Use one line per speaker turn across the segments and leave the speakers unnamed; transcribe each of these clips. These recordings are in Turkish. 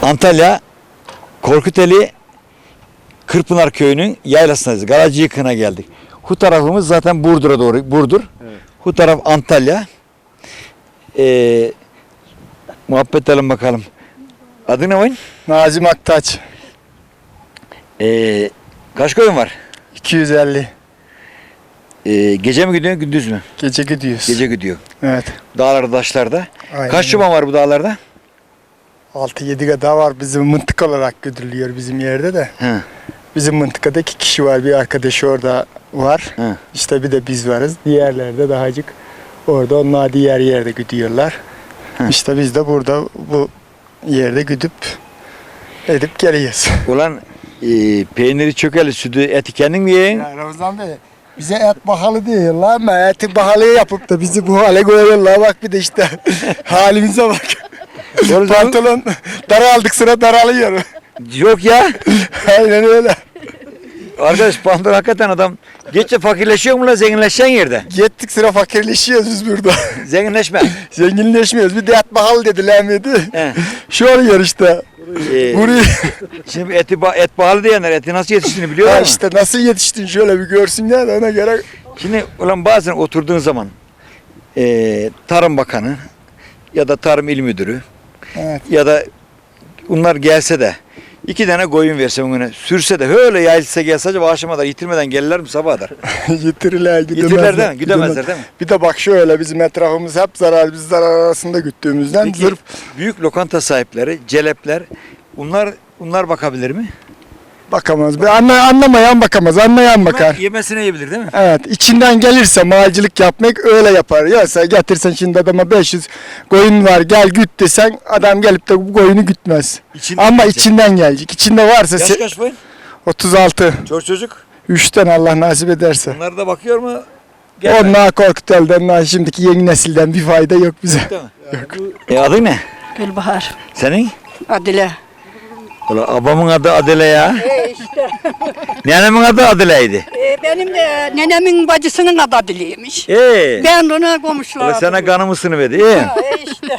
Antalya Korkuteli Kırpınar Köyü'nün yaylasındayız. Garacıyıkı'na geldik. Bu tarafımız zaten Burdur'a doğru. Burdur. Evet. Bu taraf Antalya. Muhabbet edelim bakalım. Adı ne oyun?
Nazım Aktaç.
Kaç koyun var?
250.
Gece mi gidiyor, gündüz mü?
Gece gidiyoruz.
Gece gidiyor.
Evet.
Dağlarda, taşlarda.
Aynen.
Kaç çoban var bu dağlarda?
6-7 kadar var, bizim mıntık olarak güdülüyor bizim yerde de.
He.
Bizim mıntıkada 2 kişi var, bir arkadaş orada var.
He.
İşte bir de biz varız. Diğerlerde dahacık orada, onlar diğer yerde gidiyorlar.
He.
İşte biz de burada bu yerde güdüp edip geliyoruz.
Ulan peyniri çökeli, sütü, eti kendin mi yiyin?
Ya Ramazan Bey, bize et pahalı diyorlar ama eti pahalı yapıp da bizi bu hale koyuyorlar. Bak bir de işte halimize bak. Pantolon daraldık, sıra daralıyor.
Yok ya.
Aynen öyle.
Arkadaş pantolon hakikaten adam geççe fakirleşiyor mu la, zenginleşen yerde?
Gittik sıra fakirleşiyoruz biz burada.
Zenginleşme.
Zenginleşmiyoruz. Bir de et pahalı dediler miydi?
He.
Şu oluyor işte. Burayı.
Şimdi et pahalı diyenler eti nasıl yetiştiğini biliyorlar
Ha
mı?
işte nasıl yetiştin şöyle bir görsünler de ona göre.
Şimdi ulan bazen oturduğun zaman Tarım Bakanı ya da Tarım İl Müdürü
Evet.
ya da bunlar gelse de 2 tane koyun verse bugüne sürse de öyle yayılsa gelse acaba akşama da yitirmeden gelirler mi sabaha kadar?
Yitirirler, gidemezler.
Yitirirler değil mi? Gidemezler değil mi?
Bir de bak şöyle, bizim etrafımız hep zarar, biz zarar arasında güttüğümüzden
Peki
zırh.
büyük lokanta sahipleri, celepler bunlar bakabilir mi?
Bakamaz. Anlamayan bakamaz, anlayan bakar.
Yemesine yiyebilir değil mi?
Evet, içinden gelirse malcılık yapmak öyle yapar. Yoksa getirsen şimdi adama 500 koyun var gel güt desen, adam gelip de bu koyunu gütmez. Ama içinden gelecek. İçinde varsa
Yaş kaç boyun?
36.
Çocuk?
3'ten Allah nasip ederse.
Onlar da bakıyor mu?
Onlar Korkutel'den, şimdiki yeni nesilden bir fayda yok bize.
Adın ne?
Gülbahar.
Senin?
Adile.
Ulan abamın adı Adile ya.
İşte.
Nenemin adı Adile'ydi.
Benim de nenemin bacısının adı Adile'ymiş. Ben ona komşular.
Ulan sana kanımı sınıverdi. İyi.
İşte.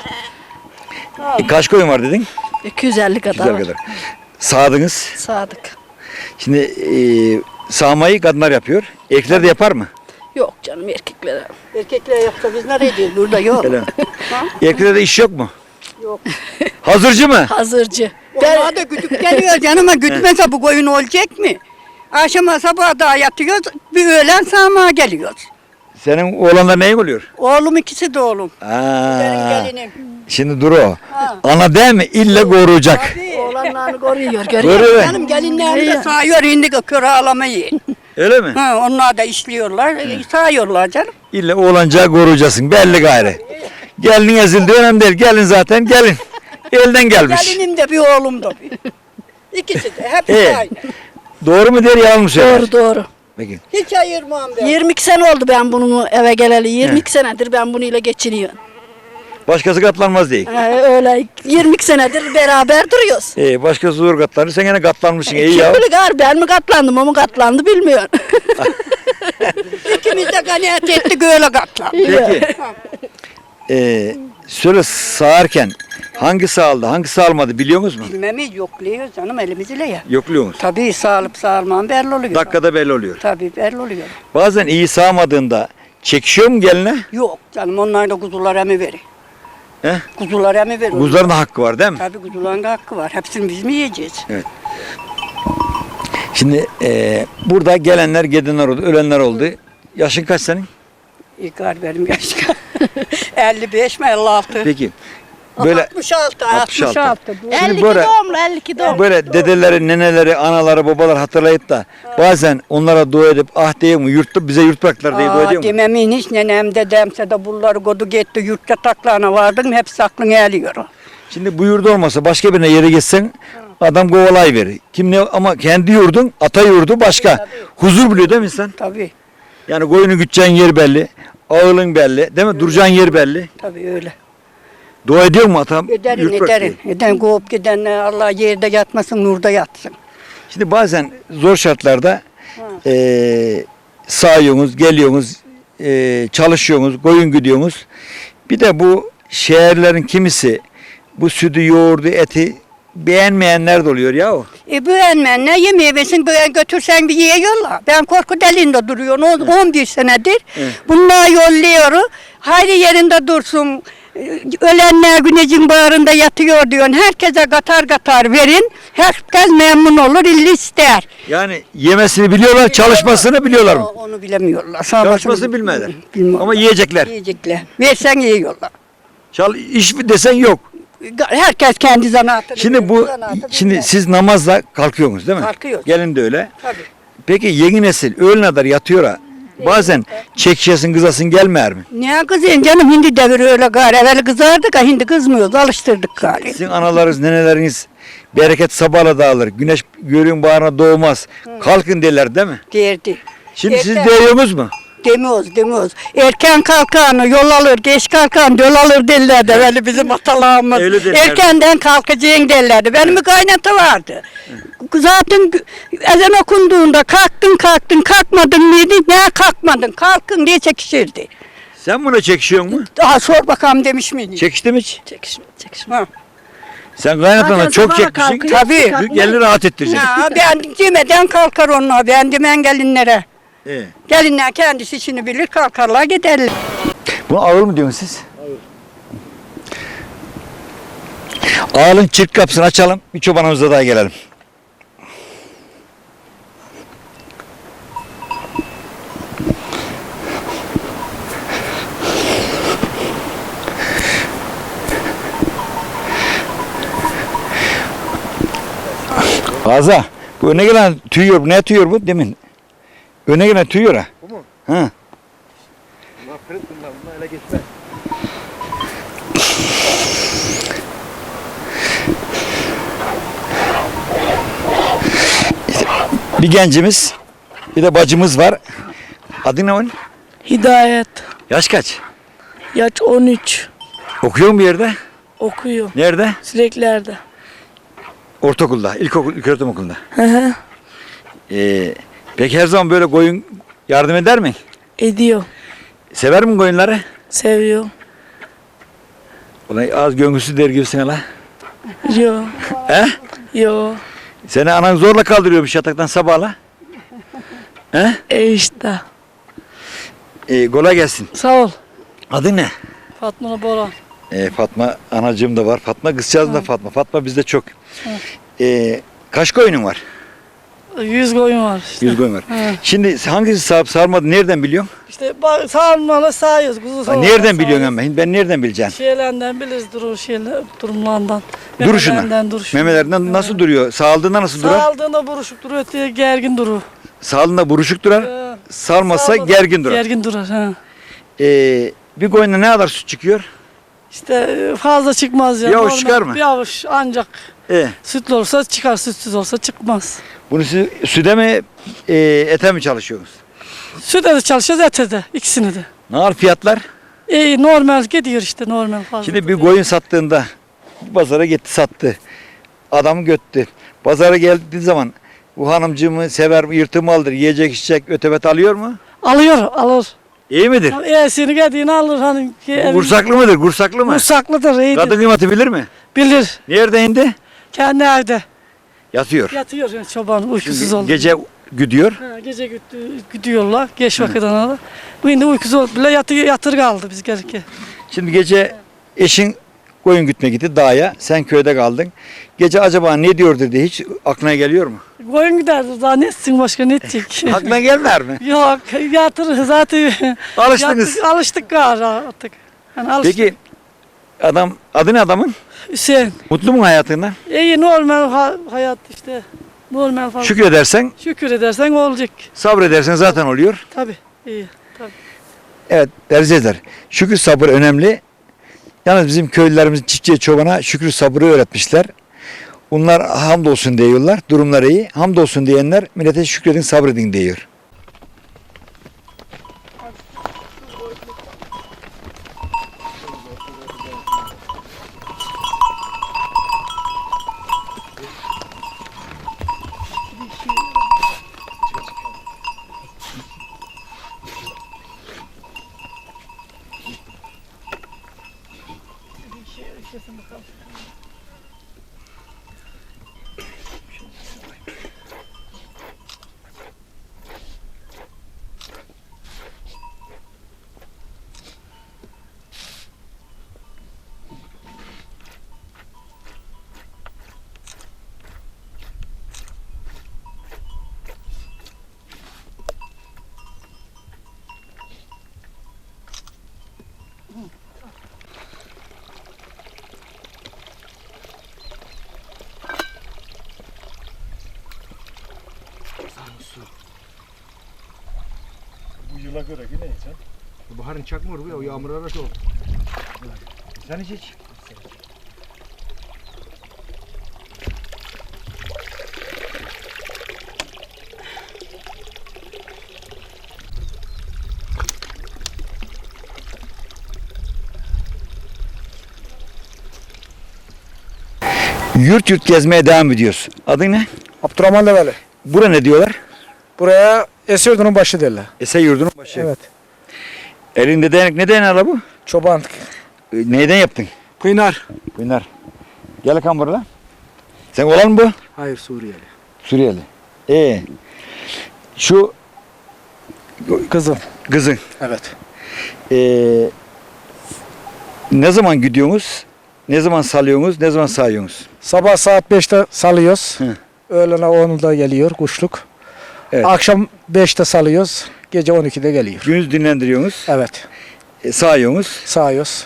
Kaç koyun var dedin?
250 kadar.
Güzel kadar. Sağdınız.
Sadık.
Şimdi sağmayı kadınlar yapıyor. Erkekler de yapar mı?
Yok canım, erkeklere. Erkekler yoksa biz nereye gidiyoruz? Burada yok.
Öyle mi? Erkeklerde iş yok mu?
Yok.
Hazırcı mı?
Hazırcı. Onlar da güdüp geliyor canım, ama gütmese bu koyun olacak mı? Akşama sabaha daha yatıyoruz, bir öğlen sağmaya geliyoruz.
Senin oğlanlar neyin oluyor?
Oğlum, ikisi de oğlum. Benim gelinim.
Şimdi dur o. Ana değil mi? İlle koruyacak.
Oğlanlarını koruyor.
Koruyor.
Benim gelinlerim de sağıyor, indi köre ağlamayı.
Öyle mi?
Onlar da işliyorlar, sağıyorlar canım.
İlle oğlancağı koruyacaksın. Belli gayrı. Gelin ezildi önemli değil. Gelin zaten gelin. Elden gelmiş.
Gelinim de bir oğlum da bir. İkisi de hepsi aynı.
Doğru mu der yalan mı söyler?
Doğru.
Peki.
Hiç ayırmam ben. 22 sene oldu ben bunu eve geleli. 22 senedir ben bununla geçiniyorum.
Başkası katlanmaz değil.
Öyle 22 senedir beraber duruyoruz.
Başkası zor katlanır. Sen gene katlanmışsın. İyi
Kim
ya.
bilir gar, ben mi katlandım, o mu katlandı bilmiyorum. İkimiz de kanaat ettik, öyle katlandı.
Peki. Şöyle sağarken hangi sağladı, hangi sağlamadı biliyor musunuz mu?
Bilmemiz yokluyoruz canım, elimizle ya.
Yokluyor musunuz?
Tabii sağlıp sağlamam belli oluyor.
Dakikada belli oluyor.
Tabii belli oluyor.
Bazen iyi sağmadığında çekişiyor mu geline?
Yok canım, onlar da kuzular emi verir.
He?
Kuzular emi verir.
Kuzuların da hakkı var değil mi?
Tabii kuzuların da hakkı var. Hepsini biz mi yiyeceğiz?
Şimdi burada gelenler, gidenler oldu, ölenler oldu. Yaşın kaç senin?
İlkar benim yaşım. 55 mi 56?
Peki. Böyle
66.
66.
52
böyle-
doğumlu, 52 doğumlu.
böyle dedeleri, neneleri, anaları, babalar hatırlayıp da bazen onlara dua edip ah diye mi bize yurt bıraktılar diye dua ediyor mu?
Dememin hiç nenem dedemse de bunları kodu gitti, yurt yataklarına vardım, hepsi aklına geliyor.
Şimdi bu yurdu olmasa başka birine yere gitsen adam kovalay verir. Kim ne ama kendi yurdun, ata yurdu başka.
Tabii.
Huzur biliyor değil mi insan?
Tabii,
Yani koyunu güteceğin yer belli, ağılın belli, değil mi? Duracağın yer belli.
tabii öyle.
Dua ediyor mu atam?
Ederim,
Yurt bırak
ederim.
diye.
Eden kovup gidenler Allah yerde yatmasın, nurda yatsın.
Şimdi bazen zor şartlarda sağıyorsunuz, geliyorsunuz, çalışıyorsunuz, koyun güdüyorsunuz. Bir de bu şehirlerin kimisi bu sütü, yoğurdu, eti beğenmeyenler de oluyor ya o.
Beğenmeyenler yemeğe versin götürsen bir yiyorlar. Ben korku deliğinde duruyorum 11 senedir.
Evet.
Bunlar yolluyorum. Hayri yerinde dursun. Ölenler güneşin bağrında yatıyor diyorsun. Herkese katar katar verin. Herkes memnun olur, illi ister.
Yani yemesini biliyorlar, çalışmasını biliyorlar mı?
Onu bilemiyorlar.
Çalışmasını bilmezler.
Bilmiyorlar.
Ama yiyecekler.
Yiyecekler. Versen yiyorlar.
İş mi desen yok.
Herkes kendi zanaatını
Şimdi
bilir, zanaatı
şimdi
bilmez.
siz namazla kalkıyorsunuz değil mi?
Kalkıyoruz.
Gelin de öyle.
Tabii.
Peki yeni nesil öğlen kadar yatıyor ha. Bazen çekişesin kızasın gelmer mi?
Ne kızıyorsun canım, hindi devri öyle gari. Evvel kızardık ha, hindi kızmıyoruz, alıştırdık gari.
Sizin analarınız, neneleriniz bereket sabahla dağılır. Güneş görün bağrına doğmaz. Kalkın derler değil mi?
Derdi.
Şimdi siz
Erken-
diyorsunuz mu?
Demiyoruz. Erken kalkanı yol alır, geç kalkan yol alır derlerdi evvel bizim atalarımız.
Öyle derlerdi.
Erkenden kalkacaksın derlerdi. Benim bir kaynatı vardı. Zaten ezan okunduğunda kalktın kalkmadın mıydı? Ne kalkmadın, kalkın diye çekişirdi.
Sen buna çekişiyor mu?
Daha sor bakalım demiş miydi?
Çekişti mi hiç?
Çekişme.
Sen kaynatana
Zaten
çok
sabaha
çekmişsin.
kalkıyor,
Tabii.
Gelini rahat ettireceksin.
Ya ben demeden kalkar onlar. Ben demen gelinlere.
Evet.
Gelinler kendisi işini bilir, kalkarlar giderler.
Bunu ağır mı diyorsunuz siz? Ağırın çift kapısını açalım. Bir çobanımıza daha gelelim. Ağza, bu öne gelen tüyüyor. Ne tüyüyor bu demin? Öne gelen tüyüyor ha. Bu mu? Ha. Bir gencimiz, bir de bacımız var. Adı ne onun?
Hidayet.
Yaş kaç?
Yaş 13.
Okuyor mu bir yerde?
Okuyor.
Nerede?
Süreklerde.
Ortaokulda, ilköğretim okulunda.
Hı hı.
Peki her zaman böyle koyun yardım eder mi?
Ediyor.
Sever mi koyunları?
Seviyor.
Ulan az göngüsü der gibisin hala.
Yo.
He?
Yo.
Seni anan zorla kaldırıyormuş yataktan sabahla. He?
İşte.
Kolay gelsin.
Sağ ol.
Adı ne?
Fatma Boran.
Fatma anacığım da var. Fatma kızcağız da Fatma. Fatma bizde çok. Kaç koyunun var?
100 koyun var işte.
100 koyun var.
He.
Şimdi hangisi sağıp sarmadı nereden biliyorsun?
İşte sağmalı sağıyoruz. Kuzu sağmalı.
Nereden biliyorsun ama? Ben nereden bileceğim?
Şeylerden biliriz durumlarından.
Duruşuna.
Memelerinden, duruşuna.
Memelerinden nasıl duruyor? Sağaldığında nasıl durar?
Sağaldığında buruşuk duruyor, öteye gergin durur.
Sağaldığında buruşuk durar. Sarmazsa
Sağmadan
gergin durar.
Gergin durar. Ha.
Bir koyunda ne kadar süt çıkıyor?
İşte fazla çıkmaz ya.
Bir avuç
Normal
çıkar mı?
Bir avuç ancak
E,
sütlü olursa çıkar, sütsüz olsa çıkmaz.
bunu siz süde mi ete mi çalışıyorsunuz?
Sütte de çalışıyoruz, ete de. İkisini de.
Ne kadar fiyatlar?
Normal gidiyor işte, normal fazla.
Şimdi bir koyun sattığında pazara gitti sattı. Adamı göttü. Pazara geldiği zaman bu hanımcığımı sever mi, yırtımı alır, yiyecek içecek ötebet alıyor mu?
Alır.
İyi midir?
Seni geldiğini alır. Hani
Gursaklı mıdır? Gursaklı mı?
Kursaklıdır, iyidir.
Kadın kıymeti bilir mi?
Bilir.
Nerede indi?
Kendi evde.
Yatıyor.
Yatıyor yani çoban, uykusuz
Şimdi
oldu.
gece güdüyor.
Gece gidiyorlar, geç vakitten alır. Bu şimdi uykusuz oldu bile yatır kaldı biz gelirken.
Şimdi gece eşin koyun gütmeye gitti dağa. Sen köyde kaldın. Gece acaba ne diyordur diye hiç aklına geliyor mu?
Koyun giderdi, daha ne etsin başka, ne edecek?
Aklına gelmer mi?
Yok, yatır zaten.
Alıştınız.
Alıştık galiba artık. Yani alıştık.
Peki adı ne adamın?
Hüseyin.
Mutlu mu hayatından?
İyi, normal hayat işte. Normal falan.
Şükredersen,
Şükür edersen olacak.
sabredersen zaten oluyor.
Tabii. İyi. Tabii.
Evet değerli izleyiciler, şükür sabır önemli. Yalnız bizim köylülerimiz çiftçiye çobana şükür sabrı öğretmişler. Bunlar hamdolsun diyorlar, durumları iyi. Hamdolsun diyenler millete şükredin sabredin diyor. Baharın çakmıyor bu ya, o yağmurlar da oldu. Sen hiç. Yurt yurt gezmeye devam ediyoruz. Adın ne?
Abdurrahman Develi.
Bura ne diyorlar?
Buraya Esyurdu'nun başı derler.
Eser yurdunun başı.
Evet.
Elinde değnek, ne değneği la bu?
Çoban.
Neyden yaptın?
Kıynar.
Bunlar. Gel bakalım buraya. Sen olan mı bu?
Hayır, Suriyeli.
Suriyeli. Şu
Kızım.
kızın.
Evet.
Ne zaman gidiyorsunuz? Ne zaman salıyorsunuz? Ne zaman sağıyorsunuz?
Sabah saat 5'te salıyoruz.
Hı.
Öğlene 10'da geliyor kuşluk.
Evet.
Akşam 5'te salıyoruz. Gece 12'de geliyor.
Gündüz dinlendiriyorsunuz.
Evet.
Sağıyorsunuz.
Sağıyoruz.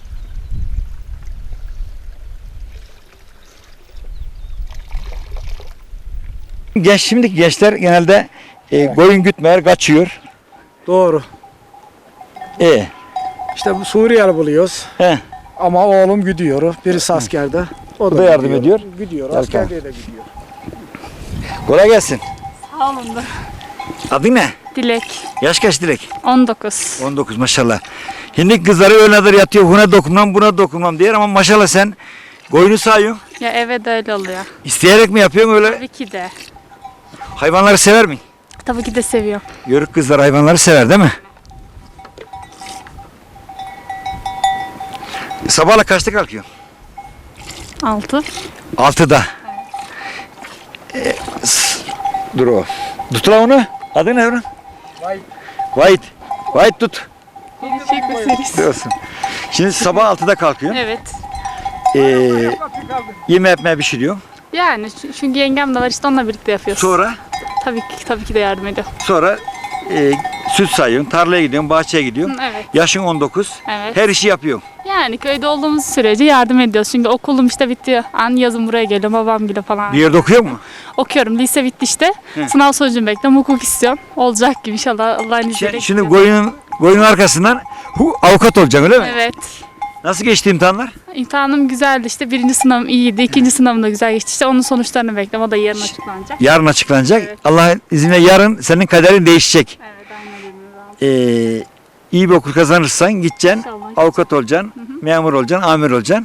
Şimdiki gençler genelde koyun gütmeyer, kaçıyor.
Doğru.
E,
İşte bu Suriyeli buluyoruz.
he.
Ama oğlum gidiyor. Birisi askerde. O
da yardım
gidiyor.
ediyor.
Gidiyor.
Gel
Askerde de gidiyor.
Kolay gelsin.
Sağ olun da.
Adın ne?
Dilek.
Yaş kaç Dilek?
19.
19 maşallah. Şimdi kızları öyledir yatıyor. Buna dokunmam, buna dokunmam diyor ama maşallah sen koyunu sağıyorsun.
Ya evet öyle oluyor.
İsteyerek mi yapıyorsun öyle?
Tabii ki de.
Hayvanları sever mi?
Tabii ki de seviyorum.
Yörük kızlar hayvanları sever değil mi? Sabahla kaçta kalkıyorsun?
6.
6'da. Dur o. Tut lan onu. Adı ne onun? White. White tut. Diyorsun. Şimdi sabah 6'da kalkıyorsun.
Evet.
Yeme yapmaya bir şey diyor.
Yani çünkü yengem de var işte onunla birlikte yapıyoruz.
Sonra
Tabii ki de yardım ediyor.
süt sayıyorsun, tarlaya gidiyorsun, bahçeye gidiyorsun.
Evet.
Yaşın 19.
Evet.
Her işi yapıyorsun.
Yani köyde olduğumuz sürece yardım ediyoruz. Çünkü okulum işte bitti. An yazın buraya geliyorum babam gibi falan.
Bir yerde okuyor mu?
Okuyorum. Lise bitti işte.
Hı.
Sınav sonucunu bekliyorum. Hukuk istiyorum. Olacak gibi inşallah Allah'ın izniyle.
Şimdi koyunun arkasından avukat olacaksın öyle mi?
Evet.
Nasıl geçti imtihanlar?
İmtihanım güzeldi işte. Birinci sınavım iyiydi. İkinci sınavım da güzel geçti. İşte onun sonuçlarını bekliyorum. O da yarın açıklanacak.
Yarın açıklanacak.
Evet.
Allah'ın izniyle yarın senin kaderin değişecek.
Evet aynen öyle.
İyi bir okul kazanırsan gideceksin,
İnşallah.
avukat olacaksın, memur olacaksın, amir olacaksın.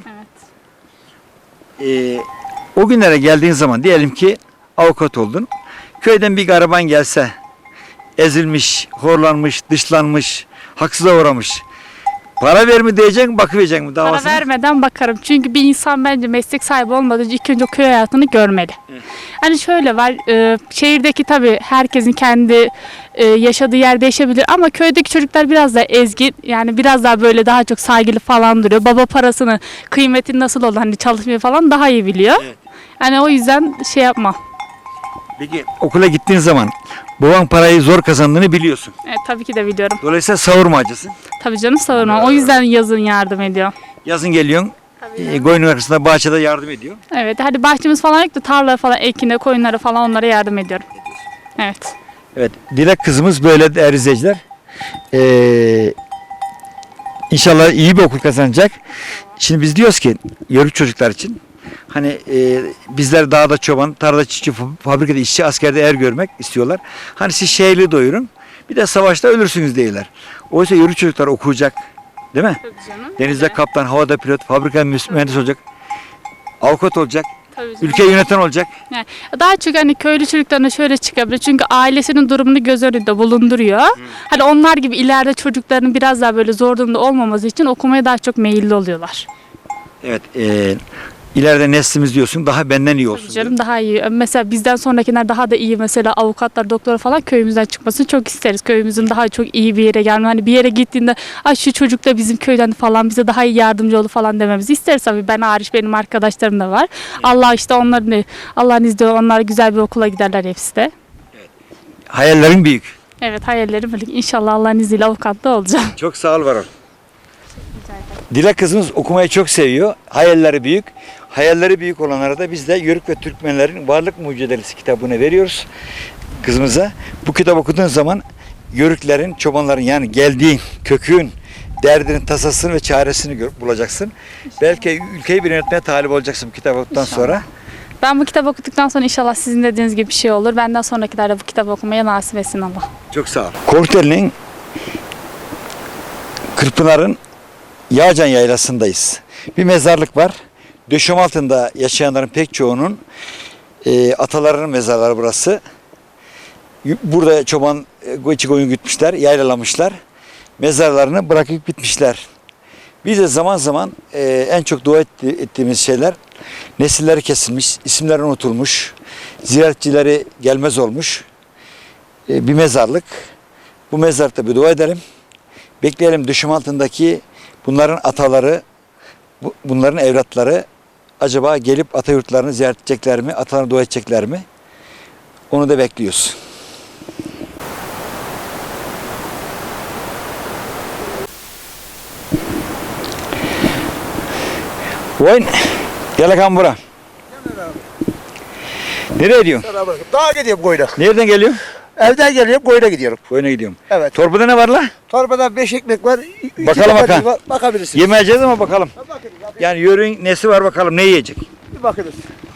Evet.
O günlere geldiğin zaman diyelim ki avukat oldun. Köyden bir gariban gelse, ezilmiş, horlanmış, dışlanmış, haksıza uğramış. Para ver mi diyeceksin, bakıverecek mi
Para
davasına?
vermeden bakarım. Çünkü bir insan bence meslek sahibi olmadan önce ilk önce o köy hayatını görmeli. Hani şöyle var, şehirdeki tabii herkesin kendi yaşadığı yer değişebilir ama köydeki çocuklar biraz daha ezgin, yani biraz daha böyle daha çok saygılı falan duruyor. Baba parasını, kıymetini nasıl olur hani çalışmayı falan daha iyi biliyor.
Evet.
Yani o yüzden şey yapma.
Peki okula gittiğin zaman baban parayı zor kazandığını biliyorsun.
Evet tabii ki de biliyorum.
Dolayısıyla savurmacısın.
Tabii canım savunma. O yüzden yazın yardım ediyor.
Yazın geliyorsun, koyunun arkasında bahçede yardım ediyor.
Evet hadi bahçemiz falan yok da tarla falan ekine, koyunlara falan onlara yardım ediyorum. Evet.
Evet, Dilek kızımız böyle değerli izleyiciler. İnşallah iyi bir okul kazanacak. Şimdi biz diyoruz ki yörük çocuklar için hani bizler dağda çoban, tarlada çiftçi, fabrikada işçi, askerde er görmek istiyorlar. Hani siz şehirli doyurun, bir de savaşta ölürsünüz diyorlar. Oysa yörük çocuklar okuyacak, değil mi?
Tabii canım.
Denizde kaptan, havada pilot, fabrika mühendis olacak, avukat olacak,
Tabii canım.
ülke yöneten olacak.
Yani daha çok hani köylü çocuklarına şöyle çıkabilir. Çünkü ailesinin durumunu göz önünde bulunduruyor. Hani onlar gibi ileride çocukların biraz daha böyle zor durumda olmaması için okumaya daha çok meyilli oluyorlar.
Evet, ileride neslimiz diyorsun daha benden iyi olsun.
Tabii canım daha iyi. Mesela bizden sonrakiler daha da iyi mesela avukatlar, doktor falan köyümüzden çıkmasını çok isteriz. Köyümüzün daha çok iyi bir yere gelme. Hani bir yere gittiğinde ay şu çocuk da bizim köyden falan bize daha iyi yardımcı olur falan dememizi isteriz tabii. Ben hariç benim arkadaşlarım da var. Allah işte onların Allah'ın izniyle onlar güzel bir okula giderler hepsi de.
Hayallerin büyük.
Evet hayallerim böyle. İnşallah Allah'ın izniyle avukatlı olacağım.
Çok sağ ol Varol. Dilek kızımız okumayı çok seviyor. Hayalleri büyük. Hayalleri büyük olanlara da biz de Yörük ve Türkmenlerin Varlık Mucizelesi kitabını veriyoruz kızımıza. Bu kitap okuduğun zaman yörüklerin, çobanların yani geldiğin kökün, derdinin, tasasını ve çaresini bulacaksın. Belki ülkeyi bir yönetmeye talip olacaksın bu kitap okuduktan sonra.
Ben bu kitabı okuduktan sonra inşallah sizin dediğiniz gibi bir şey olur. Benden sonrakiler de bu kitabı okumaya nasip etsin Allah.
Çok sağ ol. Korkuteli'nin Kırpınar'ın Yağcan Yaylası'ndayız. Bir mezarlık var. Döşem altında yaşayanların pek çoğunun atalarının mezarları burası. Burada çoban içi koyun gütmüşler, yaylalamışlar. Mezarlarını bırakıp gitmişler. Biz de zaman zaman en çok dua ettiğimiz şeyler nesilleri kesilmiş, isimleri unutulmuş, ziyaretçileri gelmez olmuş bir mezarlık. Bu mezarlıkta bir dua edelim. Bekleyelim düşüm altındaki bunların ataları, bunların evlatları acaba gelip ata yurtlarını ziyaret edecekler mi, atalarına dua edecekler mi? Onu da bekliyoruz. Oyun. Gel bakalım bura. Nereye gidiyorsun?
Dağa gidiyorum koyuna.
Nereden geliyorsun?
Evden geliyorum koyuna gidiyorum.
Koyuna gidiyorum.
Evet.
Torbada ne var la?
Torbada 5 ekmek var. iki
Bakalım
domates
bakalım.
var. Bakabilirsiniz.
Yemeyeceğiz ama bakalım.
Bakınız.
Yani yörüğün nesi var bakalım ne yiyecek?
Bir bakınız.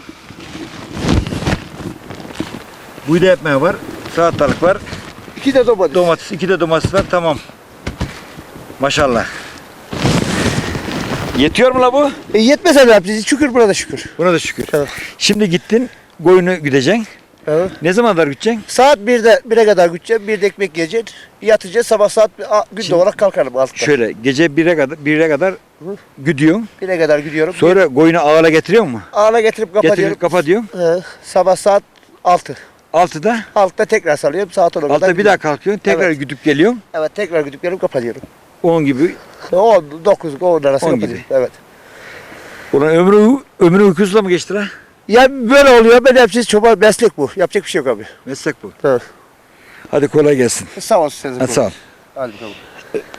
Buğday ekmeği var. Salatalık var.
2 de domates.
Domates, 2 de domates var. Tamam. Maşallah. Yetiyor mu la bu?
Yetmese ne yapacağız? Şükür burada şükür.
Buna da şükür.
Evet.
Şimdi gittin koyunu güdeceksin.
Evet.
Ne zaman kadar güdeceksin?
Saat 1'e kadar gideceğim. 1'de ekmek yiyeceğiz. Yatacağız. Sabah saat gün
Şimdi-
doğarak kalkarım altta.
Şöyle gece 1'e kadar güdüyorsun.
1'e kadar gidiyorum.
Sonra koyunu ağla getiriyor mu?
Ağla getirip kapatıyorum.
Getirip kapatıyorsun.
Sabah saat 6.
6'da.
Altta tekrar salıyorum. Saat 10'a kadar.
6'da bir daha
gidiyorum.
kalkıyorsun. Tekrar
Evet.
güdüp geliyorsun.
Evet tekrar gidip gelip kapatıyorum.
10 gibi.
10, 9, 10 arası
10
kapatıyorum.
gibi.
Evet.
Ulan ömrü uykusuzla mı geçti la?
Ya böyle oluyor. Ben hepsi çoban meslek bu. Yapacak bir şey yok abi.
Meslek bu.
Evet.
Hadi kolay gelsin.
Sağ olsun.
Hadi sağ ol.
Hadi bakalım.